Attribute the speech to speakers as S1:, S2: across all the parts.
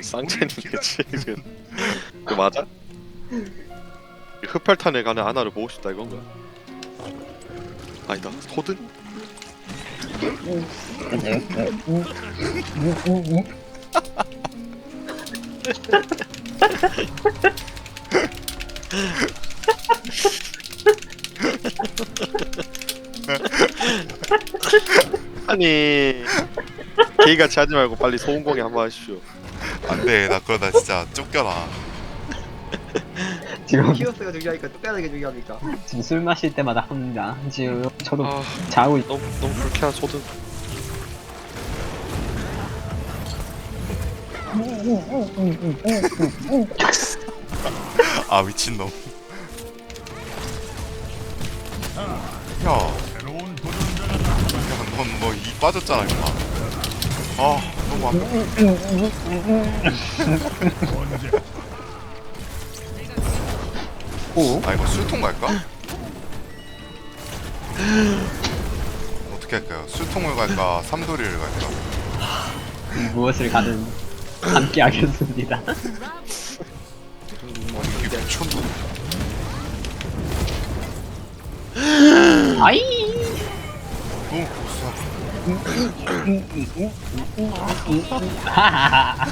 S1: 쌍첸이겠지 지금. 그 맞아? 흑팔탄에 가는 아나를 보고 싶다 이건가? 아니다 소든? 아니 개같이 하지 말고 빨리 소음공에 한번 하십시오.
S2: 안돼, 나 그러다 진짜 쫓겨나.
S3: 지금
S4: 히오스가 중요하니까 똑같은 게 중요합니까?
S3: 지금 술 마실 때마다 합니다. 지금 저도
S1: 아
S3: 자고 있...
S1: 너무 불쾌한 소든.
S2: 아 미친놈. 야, 넌 뭐 이 빠졌잖아 임마. 아 너무 안
S3: 오?
S2: 아 이거 술통 갈까? 어떻게 할까요? 술통을 갈까? 삼도리를 갈까?
S3: 무엇을 가든 함께 하겠습니다.
S2: 이게 미쳤나?
S3: 아이!
S2: 너무 고수야.
S3: 하하하.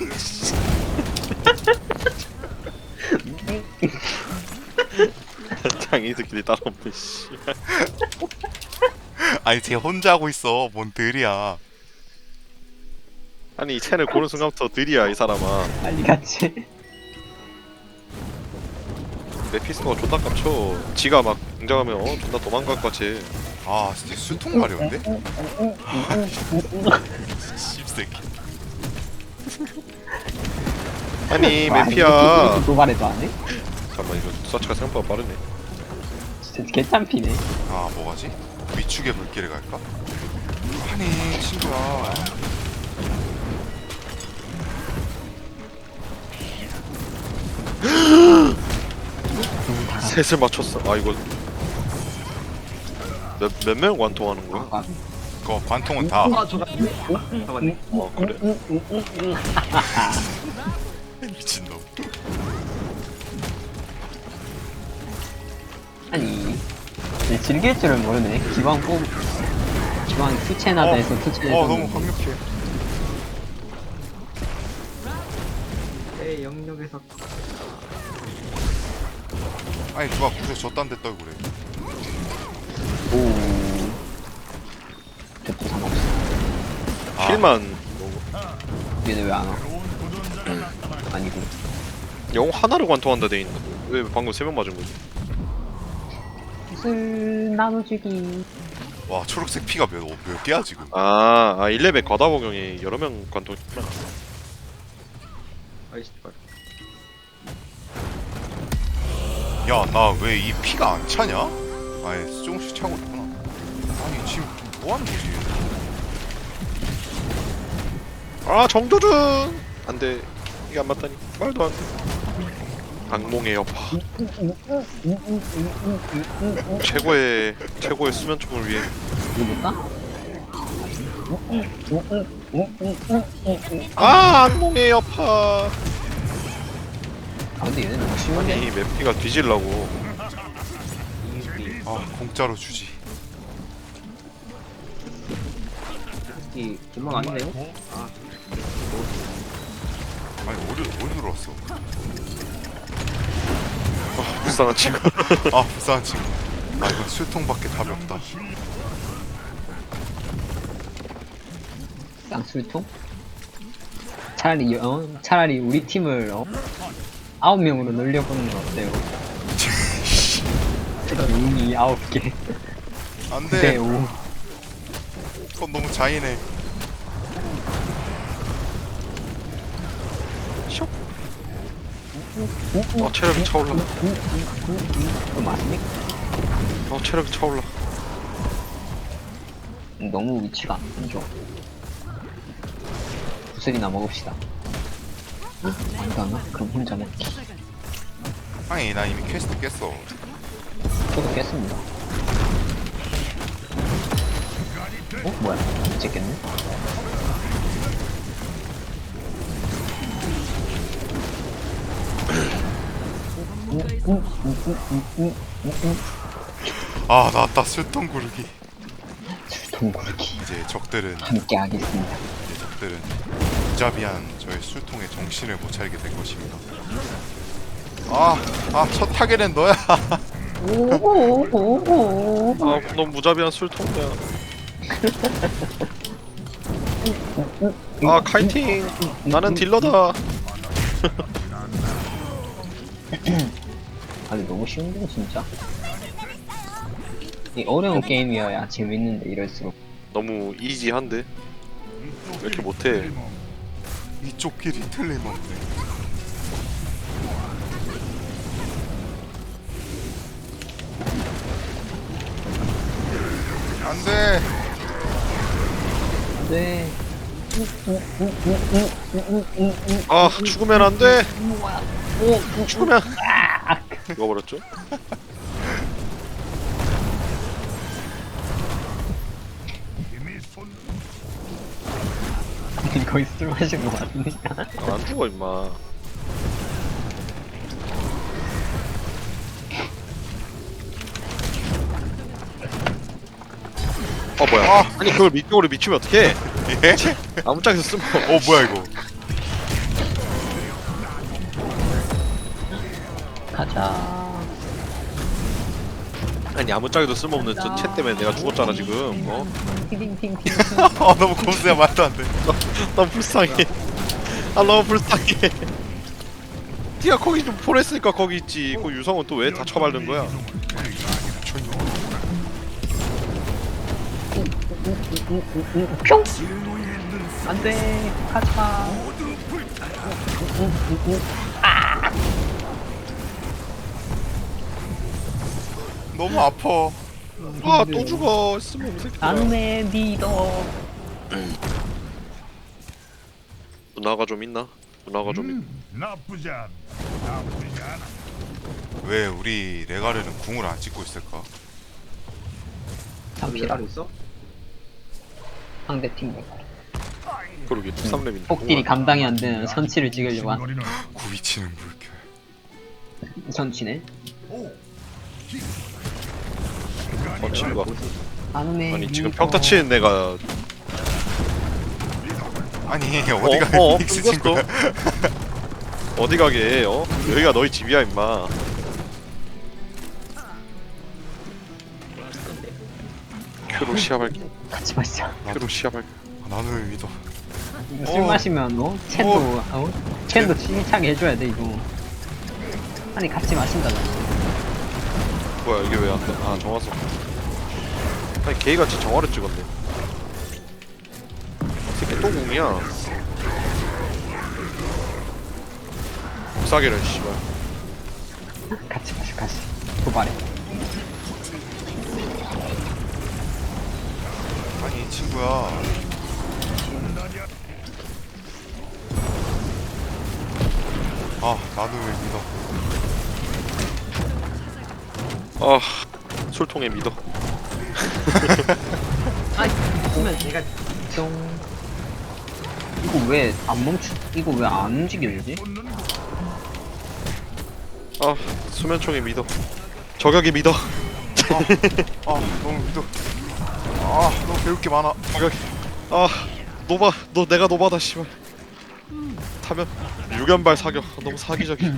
S1: 장이들끼리 따로 없네 씨.
S2: 아니 쟤 혼자 하고 있어. 뭔 들이야.
S1: 아니 이 채널 고른 순간부터 느리야 이 사람아.
S3: 빨리 같이.
S1: 메피스토가 존나 깝쳐. 지가 막 등장하면 존나 도망갈 것 같이.
S2: 아 진짜 술통 가려운데? 씹새끼.
S1: 아니
S3: 와,
S1: 메피야.
S3: 도발해도 안 해?
S1: 잠깐만 이거 서치가 생각보다 빠르네.
S3: 진짜 개참피네.
S2: 아 뭐가지? 위축의 물길을 갈까? 아니 친구야.
S1: 셋을 맞췄어. 아 이거 몇 명 관통하는 거야?
S3: 아,
S2: 그거 관통은 다
S4: 아 저같네. 잡았네.
S1: 어 그래?
S2: 미친놈.
S3: 아니, 근데 즐길 줄은 모르네. 기왕 투첸하다 해서 투첸해서.
S2: 너무 강력해.
S4: 내 영역에서
S2: 아니 누가 구조 저딴 데 떨고 그래.
S3: 오. 저도 상관없어.
S2: 아,
S1: 킬만 뭐,
S3: 얘네 왜 안 와? 아니고.
S1: 영웅 하나를 관통한다 돼 있는. 왜 방금 3명 맞은 거지?
S3: 술 나눠주기.
S2: 와 초록색 피가 몇 개야 지금?
S1: 아 1레벨 과다 복용이 여러 명 관통했구나.
S4: 아이씨
S2: 야 나 왜 이 피가 안 차냐? 아예 조금씩 차고 있구나. 아니 지금 뭐 하는 거지?
S1: 아 정조준! 안돼 이게 안 맞다니 말도 안돼. 악몽의 여파. 최고의 수면총을 위해.
S3: 이거 볼까?
S1: 아 악몽의 여파.
S3: 아 근데 얘네 너무 쉬운데?
S1: 아니 맵피가 뒤질라고.
S2: 아 공짜로 주지.
S4: 이 금방 아니네요? 아
S2: 아니 어디 들어왔어?
S1: 불쌍한 친구.
S2: 아 불쌍한 친구. 아 이건 술통밖에 답이 없다.
S3: 쌍술통? 차라리 우리 팀을 9명으로 늘려보는 건 어때요? 용이 9개.
S2: 안돼.
S3: 네, 5.
S2: 그건 너무 잔인해.
S1: 체력이 차올라.
S3: 또 맞습니까?
S1: 체력이 차올라.
S3: 너무 위치가 안 좋아. 구슬이나 먹읍시다. 안도 안 와? 그럼 혼자 먹기.
S2: 아니 나 이미 퀘스트 깼어.
S3: 저도 깼습니다. 뭐야? 이제 깼네?
S2: 아 나왔다 술통 구르기.
S3: 술통 구르기
S2: 이제 적들은
S3: 함께 하겠습니다.
S2: 무자비한 저의 술통에 정신을 못 차리게 될 것입니다. 첫 타겟은 너야.
S3: 오오오오.
S1: 넌 무자비한 술통이야. 카이팅. 나는 딜러다.
S3: 아니 너무 쉬운데 진짜. 이 어려운 게임이어야 재밌는데 이럴수록.
S1: 너무 이지한데 왜 이렇게 못해?
S2: 이쪽 길이 틀림없네. 안돼.
S3: 네.
S1: 죽으면 안 돼. 죽으면 죽어버렸죠?
S3: 거의 술 마신 거 같으니까.
S1: 안 죽어 임마. 뭐야? 아니 그걸 밑쪽으로 미치면 어떡해?
S2: 예?
S1: 아무짝에서 쓰면
S2: 뭐야 이거?
S3: 가자.
S1: 아니 아무짝에도 쓸모없는 저 채 때문에 내가 죽었잖아 지금.
S3: 팅팅팅팅.
S2: 너무 검수야 말도 안 돼.
S1: 너무 불쌍해. 너무 불쌍해. 네가 거기 좀 보냈으니까 거기 있지. 그 유성은 또 왜 다 처발른 거야?
S3: 뿅. 안돼. 가자.
S2: 너무 아파.
S1: 또 죽어. 쓸모없는 새끼야.
S3: 안내 믿어.
S1: 누나가 좀 있나? 누나가 좀 있나?
S5: 나쁘지 않아. 나쁘지 않아.
S2: 왜 우리 레가르는 궁을 안 찍고 있을까?
S3: 잠시라.
S4: 있어?
S3: 상대 팀
S1: 그러게 13렙인데
S3: 폭딜이 감당이 안 되는 선치를 찍으려고 한
S5: 거리는
S2: 구비치는 물결.
S3: 선치네.
S1: 친구가
S3: 안내.
S1: 아니 지금 평타 치는 애가
S2: 아니 어디가 닉스 친 거야?
S1: 어디 가게 여기가 너희 집이야 임마. 큐로 시합할게.
S3: 같이 마시자.
S1: 큐로 시합할게.
S2: 나는 왜 믿어?
S3: 이거 술 마시면 첸도 첸도 칭찬 해줘야 돼 이거. 아니 같이 마신다잖아.
S1: 뭐야 이게 왜 안 돼? 정화석. 아니 개같이 정화를 찍었네. 새끼 또 공이야. 싸게를 씨발.
S3: 같이 마셔 같이. 도발해.
S2: 아니 이 친구야. 나도 왜 믿어?
S1: 술통에 믿어.
S3: 아이 보면 얘가 뿅. 이거 왜 안 멈추? 이거 왜 안 움직여지지?
S1: 수면총에 믿어. 저격에 믿어.
S2: 너무 믿어. 너무 배울 게 많아.
S1: 저격에. 노바. 너 내가 노바다 씨발. 타면 유견발 사격. 너무 사기적이야.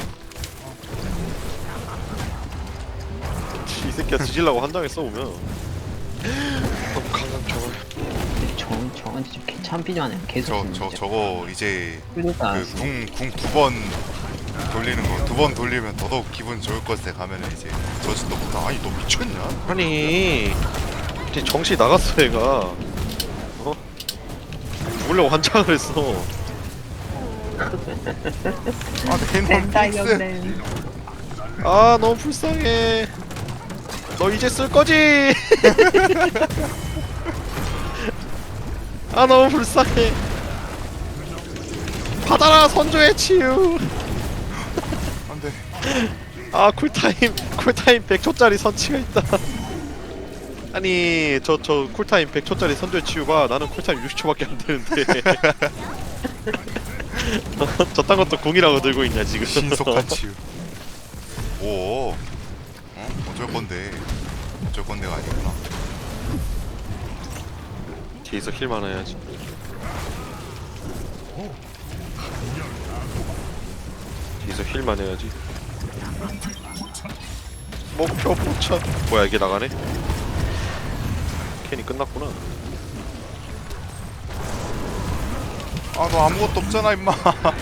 S1: 이 새끼야 뒤질라고 한장에 써오면 너무 강한 저걸.
S3: 저건 진짜 개참피죠 아니야? 계속.
S2: 저거 이제
S3: 그러니까
S2: 궁 두 번 돌리는 거 두 번 돌리면 더더욱 기분 좋을 것에 가면은 이제 저지도 못하. 아니 너 미쳤냐?
S1: 아니 이제 정신이 나갔어 얘가. 죽으려고 환장을 했어.
S2: 내놈 픽스.
S1: 너무 불쌍해. 너 이제 쓸 거지? 너무 불쌍해. 받아라 선조의 치유.
S2: 안돼.
S1: 쿨타임 100초짜리 선치가 있다. 아니 저 쿨타임 100초짜리 선조의 치유가 나는 쿨타임 60초밖에 안 되는데. 저딴 것도 궁이라고 들고 있냐 지금.
S2: 신속한 치유. 뭐? 어쩔 건데? 어쩔 건데가 아니구나.
S1: 뒤에서 힐 많아야지. 뒤에서 힐만 해야지. 목표 포착. 뭐야 이게 나가네? 캔이 끝났구나.
S2: 아, 너 아무것도 없잖아, 임마.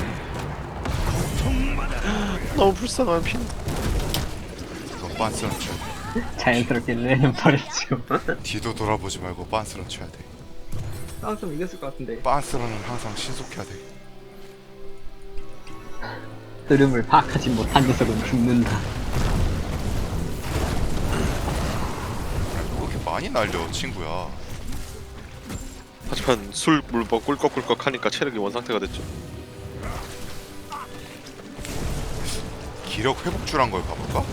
S1: 너무 불쌍한 핀.
S2: 너 빤스런 쳐야 돼.
S3: 자연스럽게 레는 버렸죠.
S2: 뒤도 돌아보지 말고 빤스런 쳐야 돼.
S4: 싸움 좀 이겼을 것 같은데.
S2: 빤스런은 항상 신속해야 돼.
S3: 흐름을 파악하지 못한 녀석은 죽는다.
S2: 왜 이렇게 많이 날려, 친구야.
S1: 하지만 술 물먹 꿀꺽꿀꺽 하니까 체력이 원상태가 됐죠.
S2: 기력 회복주란 걸 가볼까?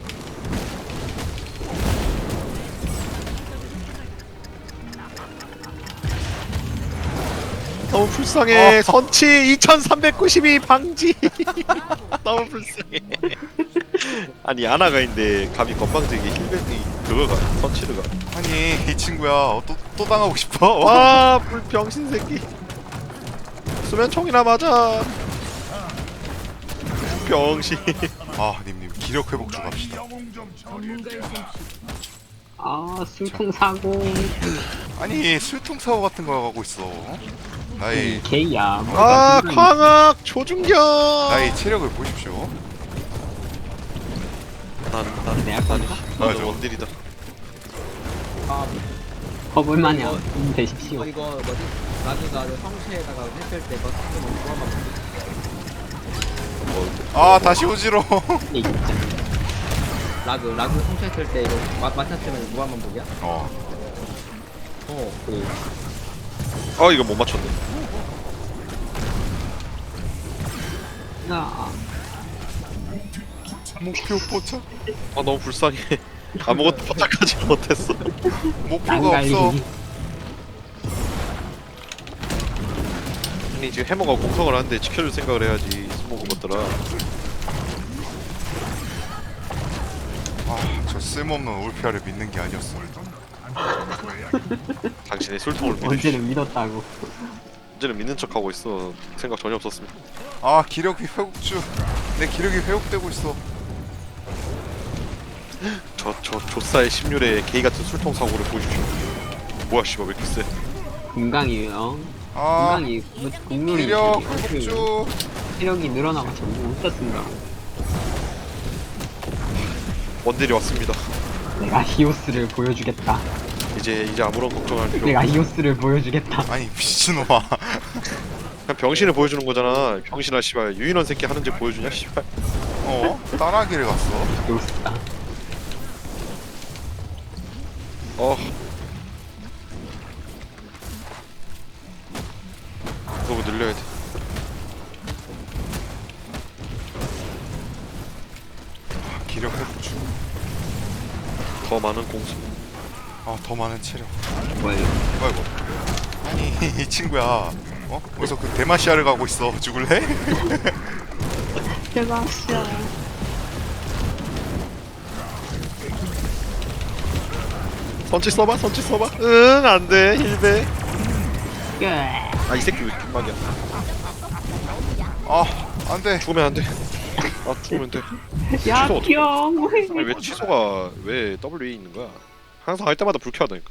S1: 너무 불쌍해. 선치 2392 방지. 너무 불쌍해. 아니 아나가 있는데 감히 건방지게 힐백이 그거가 선치르가.
S2: 아니, 이 친구야. 또 당하고 싶어?
S1: 와 불병신 새끼. 수면 총이나 맞아. 병신.
S2: 아, 님님 기력 회복주 갑시다.
S5: 영웅 좀 처리해.
S3: 아, 술통 사고.
S2: 아니, 술통 사고 같은 거 가고 있어. 나의
S3: 개야.
S1: 아 광학 조준경.
S2: 나의 체력을 보십시오.
S1: 나는
S3: 내가 건가?
S2: 맞아.
S1: 원딜이다.
S4: 아,
S3: 허블마냥 되십시오.
S4: 이거 뭐지? 나중에 성체에다가 했을 때 그거 쓰면 그거만
S2: 아, 다시 오지로.
S3: 이 진짜.
S4: 라그 성체했을 때 이거 맞췄으면 무한만 보기야? 그래.
S1: 아 이거 못 맞췄네.
S3: 아,
S2: 목표 포착.
S1: 아 너무 불쌍해. 아무것도 포착하지 못했어.
S2: 목표가 없어.
S3: 난갈리기.
S1: 아니 지금 해머가 공성을 하는데 지켜줄 생각을 해야지. 스모그 것들아.
S2: 아, 저 쓸모없는 올피아를 믿는 게 아니었어.
S1: 당신의 술통을 믿으시.
S3: 언제는 믿었다고.
S1: 언제는 믿는 척하고 있어. 생각 전혀 없었습니다.
S2: 아, 기력이 회복주. 내 기력이 회복되고 있어.
S1: 저 조사의 심률에 게이 같은 술통 사고를 보여주십시오. 뭐야 씨발 왜 이렇게 세?
S3: 금강이요.
S2: 아,
S3: 금강이 국룰이
S2: 기력 회복주.
S3: 체력이 늘어나가지고 못 썼습니다.
S1: 원딜이 왔습니다.
S3: 내가 히오스를 보여주겠다.
S1: 이제 아무런 걱정할 필요.
S3: 내가 히오스를 보여주겠다.
S2: 아니, 미친놈아.
S1: 그냥 병신을 보여주는 거잖아. 병신아 씨발 유인원 새끼 하는지 보여주냐 씨발.
S2: 따라하기를 갔어.
S3: 히오스다.
S1: 너무 늘려야 돼.
S2: 기력 회복주.
S1: 더 많은 공수.
S2: 아, 더 많은 체력.
S3: 뭐야?
S2: 아이고. 아니, 이 친구야. 어디서 그 데마시아를 가고 있어. 죽을래?
S3: 대박이야.
S1: 선치 써봐 선치 써봐. 응 안돼 힐베.
S3: 끝.
S1: 아이 새끼 왜 뒷막이야.
S2: 아, 안 돼.
S1: 죽으면 안 돼. 아 죽으면 돼.
S3: 야,
S1: 취소 어떡해.
S3: 귀여워.
S1: 아니 왜 취소가 왜 W에 있는 거야? 항상 할 때마다 불쾌하다니까.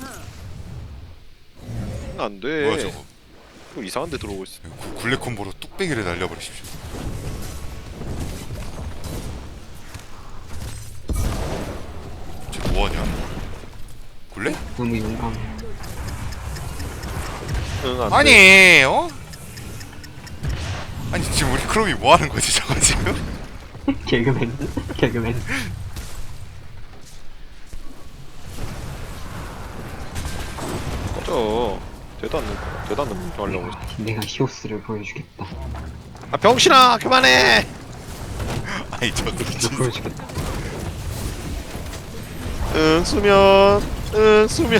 S1: 안 돼.
S2: 뭐야, 저거.
S1: 또 이상한 데 들어오고 있어.
S2: 굴레 콤보로 뚝배기를 날려버리십시오. 쟤 뭐하냐? 굴레?
S3: 너무 용감.
S1: 응 안
S2: 아니,
S1: 돼.
S2: 아니, 지금 우리 크롬이 뭐하는 거지, 저거 지금?
S3: 개그맨. 개그맨.
S1: 꺼져. 되도 않는 거 하려고 했어.
S3: 내가 히오스를 보여주겠다.
S1: 아 병신아 그만해.
S2: 아니, 저거 미친.
S3: 보여주겠다.
S1: 응 수면. 응 수면.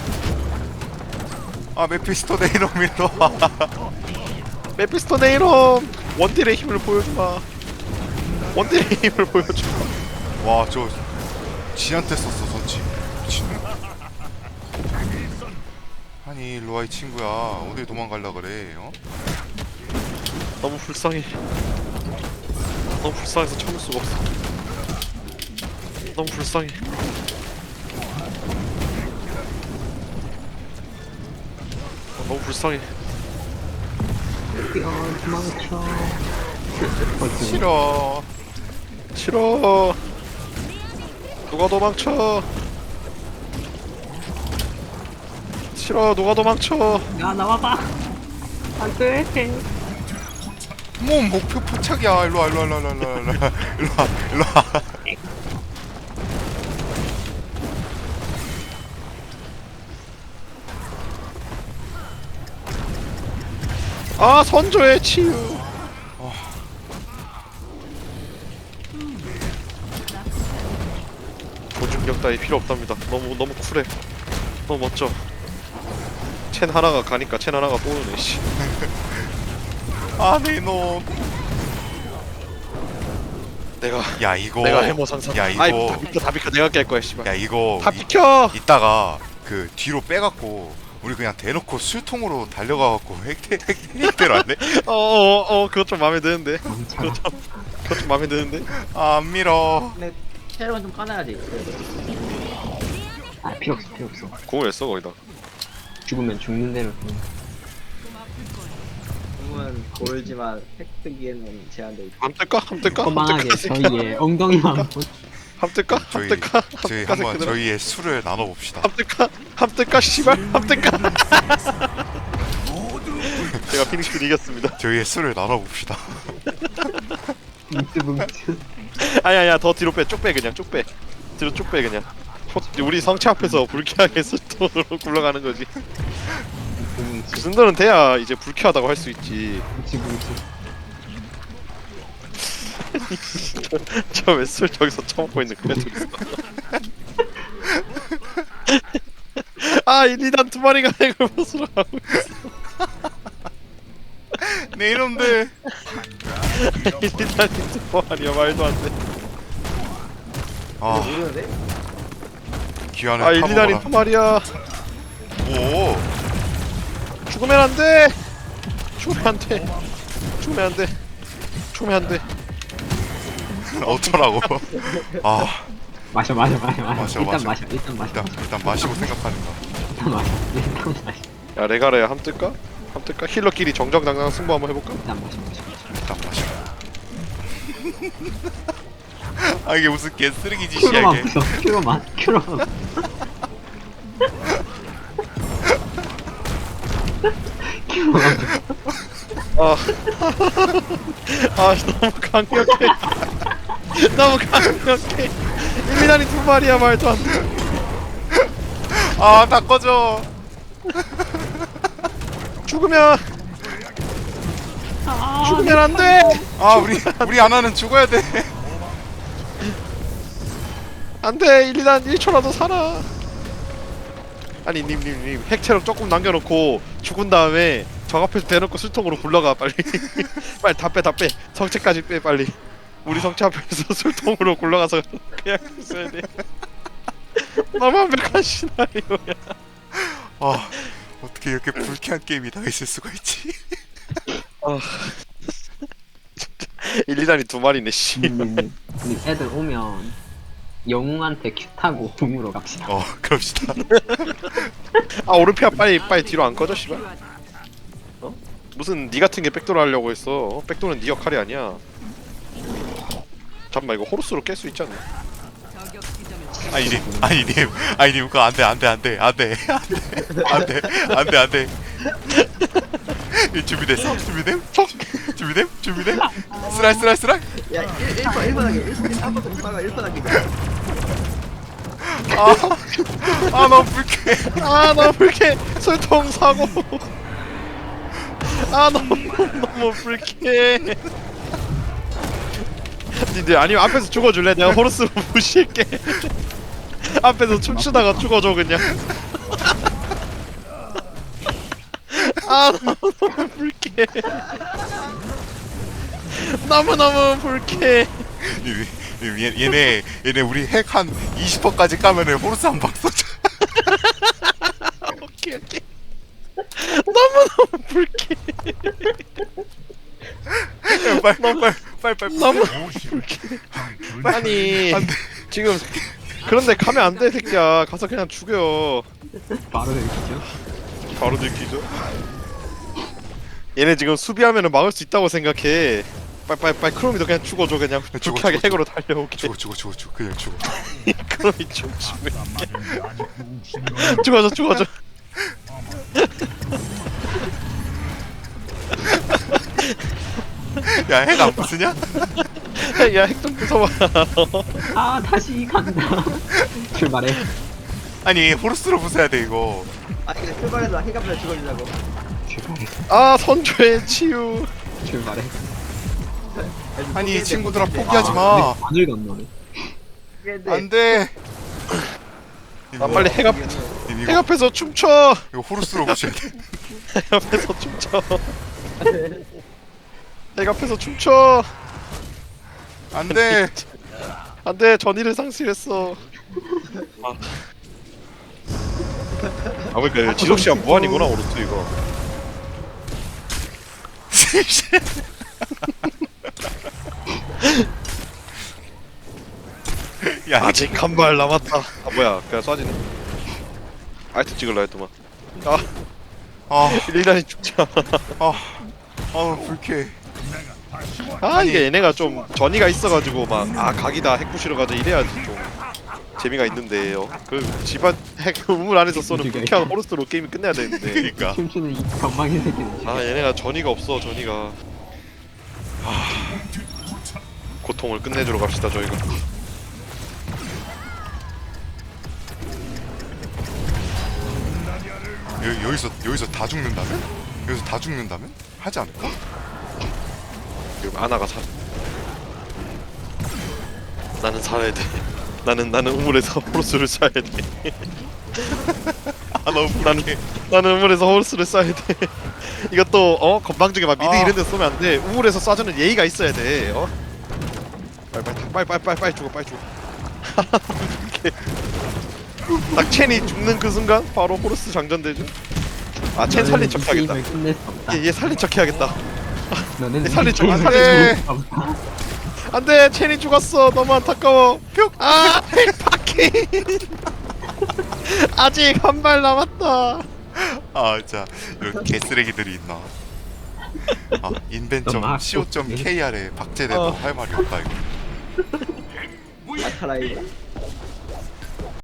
S2: 아, 메피스토 네이놈일로 와.
S1: 메피스토 네이롬 원딜의 힘을 보여주마. 원딜의 힘을 보여줘.
S2: 와, 저 지한테 썼어, 선치. 미친. 아니, 일로 와, 이 친구야. 어디 도망갈라 그래, 어?
S1: 너무 불쌍해. 너무 불쌍해서 참을 수가 없어. 너무 불쌍해. 너무 불쌍해.
S3: 도망쳐.
S2: 싫어.
S1: 싫어. 누가 도망쳐? 싫어. 누가 도망쳐?
S3: 야 나와봐. 안돼.
S2: 뭐 목표 포착이야. 일로 와, 일로 와, 일로 와, 일로 와, 일로 와, 일로 와, 일로 와.
S1: 아 선조의 치유. 보중력 따위 필요 없답니다. 너무 쿨해. 너무 멋져. 첸 하나가 가니까 첸 하나가 또 오네. 씨.
S2: 아, 네 놈. 야, 이거.
S1: 내가 해머 상상.
S2: 야, 이거.
S1: 아이 다 비켜 내가 깰 거야 씨발.
S2: 야, 이거.
S1: 다 비켜.
S2: 이따가 그 뒤로 빼갖고 우리 그냥 대놓고 술통으로 달려가갖고 핵대로 안 돼?
S1: 그것 좀 마음에 드는데.
S3: 멈춰라.
S1: 그것 좀 마음에 드는데.
S2: 아, 안 밀어.
S4: 근데 체력은 좀 까놔야지. 그래도.
S3: 아 필요 없어 필요 없어.
S1: 공을 왜 써 거기다.
S3: 죽으면 죽는 대로.
S4: 공은 고르지만 획득기에는 제한돼 있고.
S1: 함 뜰까? 함 뜰까?
S3: 허망하게 저희의 엉덩이만 보.
S1: 함 뜰까? 함 뜰까?
S2: 저희 한번 저희의 술을 나눠봅시다.
S1: 함 뜰까? 함 뜰까? 씨발 함 뜰까? 제가 피닉스를 이겼습니다.
S2: 저희의 술을 나눠봅시다.
S3: 뭉tư.
S1: 아니야 더 뒤로 빼. 쭉 빼 그냥 쭉 빼. 뒤로 쭉 빼 그냥. 우리 성체 앞에서 불쾌하게 술돈으로 굴러가는 거지. 그 정도는 돼야 이제 불쾌하다고 할 수 있지.
S3: 뭉치.
S1: 저 왜 술 저기서 처먹고 있는 거야 저기서. 아 1, 2단 두 마리가 핵을 벗으러 가고 있어.
S2: 네 이놈들.
S1: 1, 2단이 두 마리야 말도 안 돼.
S2: 아,
S4: 모르는데?
S2: 귀환을
S1: 아 1, 2단이 두 마리야.
S2: 오.
S1: 죽으면 안 돼. 죽으면 안 돼. 죽으면 안 돼. 죽으면 안 돼.
S2: 어쩌라고. 아,
S3: 마셔.
S2: 마셔,
S3: 일단
S2: 마셔.
S3: 마셔.
S2: 일단 마시고 생각하는 거.
S3: 일단 마셔.
S1: 야 레가라야 함 뜰까? 함 뜰까? 힐러끼리 정정당당 승부 한번 해볼까?
S3: 일단 마셔.
S2: 일단 마셔. 아, 이게 무슨 개쓰레기 짓이야 이게.
S3: 큐로만.
S1: 아, 아 너무 강력해. 너무 강력해. 1, 2단이 두 마리야 말도 안 돼.
S2: 아, 다 꺼져.
S1: 죽으면 안 돼.
S2: 아, 우리 아나는 죽어야 돼.
S1: 안 돼. 1, 2단 1초라도 살아. 아니 님 핵체력 조금 남겨놓고 죽은 다음에 적 앞에서 대놓고 술통으로 굴러가 빨리. 빨리 다 빼. 성체까지 빼 빨리. 우리 성체 앞에서 술통으로 굴러가서 그냥 있어야 돼. 너무 완벽한 시나리오야.
S2: 아, 어떻게 이렇게 불쾌한 게임이 다 있을 수가 있지?
S1: 1, 2단이 두 마리네 씨.
S3: 님 애들 오면 영웅한테 큐 타고 궁으로 갑시다.
S2: 그럽시다.
S1: 아 오르피아 빨리 뒤로 안 꺼져 씨발. 어? 무슨 니 같은 게 백도를 하려고 했어. 백도는 니 역할이 아니야. 잠깐만 이거 호루스로 깰 수 있지 않나?
S2: 아니님, 그거 안 돼. 준비됐어? 준비됨? 스라이.
S4: 야 1번하게 1번하게.
S2: 아, 너무 불쾌해.
S1: 아 너무 불쾌해. 술통 사고. 아 너무 불쾌해. 니들 아니면 앞에서 죽어줄래? 내가 호루스로 무시할게. 앞에서 춤추다가 죽어줘 그냥. 아 너무 불쾌해. 너무 불쾌해.
S2: 얘네 우리 핵 한 20%까지 까면은 호르스 한 방 쏘자.
S1: 오케이 오케이. 너무너무 불쾌.
S2: 빨리.
S1: 너무
S5: 오십.
S1: 아니
S2: 안 돼.
S1: 지금 그런데 가면 안 돼 새끼야. 가서 그냥 죽여.
S3: 바로 내리죠.
S1: 바로 들키죠. 얘네 지금 수비하면은 막을 수 있다고 생각해. 빨리 크롬이도 그냥 죽어줘 그냥.
S2: 죽어,
S1: 불쾌하게
S2: 죽어,
S1: 핵으로 달려오게.
S2: 죽어 그냥 죽어.
S1: 크롬이 죽으면
S5: 맞은데 아직 웃음이
S1: 죽어줘.
S2: 야 핵 안 부수냐?
S1: 야 핵 좀 부숴봐.
S3: 아 다시 간다. 출발해.
S2: 아니 호르스로 부숴야 돼 이거.
S4: 아 근데 출발해서 해가면서 죽어주려고.
S3: 출발해.
S1: 아 선조의 치유.
S3: 출발해.
S2: 아니 이 친구들아 포기하지 마.
S3: 마늘 건너네.
S2: 안돼.
S1: 아 빨리 핵 앞. 핵 앞에서 춤춰.
S2: 이거 호르스로 부셔야 돼.
S1: 핵 앞에서 춤춰. 핵 앞에서 춤춰.
S2: 안돼.
S1: 안돼 전의를 상실했어. 아 그러니까 지속 시간 무한이구나 오르트 이거.
S2: 야
S1: 아직 한 발 남았다. 아 뭐야 그냥 쏴지네. 아이트 찍을라 했더만.
S2: 아,
S1: 일단이 죽자.
S2: 불쾌해.
S1: 아 이게 얘네가 좀 전이가 있어가지고 막 각이다 핵 부시러 가자 이래야지 좀 재미가 있는데요. 그 집안 핵 우물 안에서 쏘는 불쾌한 호르스로 게임이 끝내야 되는데.
S2: 그러니까.
S3: 춤추는 이 건방진 새끼는.
S1: 아 얘네가 전이가 없어 전이가. 고통을 끝내주러 갑시다 저희가.
S2: 여기서 다 죽는다면? 여기서 다 죽는다면? 하지 않을까?
S1: 지금 아나가 살. 나는 살아야 돼. 나는 우물에서 호르스를 쏴야 돼.
S2: 너무
S1: 나는 우물에서 호르스를 쏴야 돼. 이것도 건방지게 막 미드 이런 데 쏘면 안 돼. 우물에서 쏴주는 예의가 있어야 돼. 빨리 죽어. 이렇게. 딱 첸이 죽는 그 순간 바로 호르스 장전되죠. 첸 살린 척 해야겠다.
S3: 게임을 끝낼 수 없다.
S1: 얘 살린 척 해야겠다.
S3: 너는
S1: 살린 척,
S3: 게임을
S1: 살린
S3: 끝낼 수 없다.
S1: 안돼 첸이 죽었어. 너무 안타까워. 핵파킹. 아직 한 발 남았다.
S2: 진짜 이런 개쓰레기들이 있나.
S3: 너무
S2: 인벤.co.kr에 박제돼도 할 말이 없다 이거.
S4: 아카라이.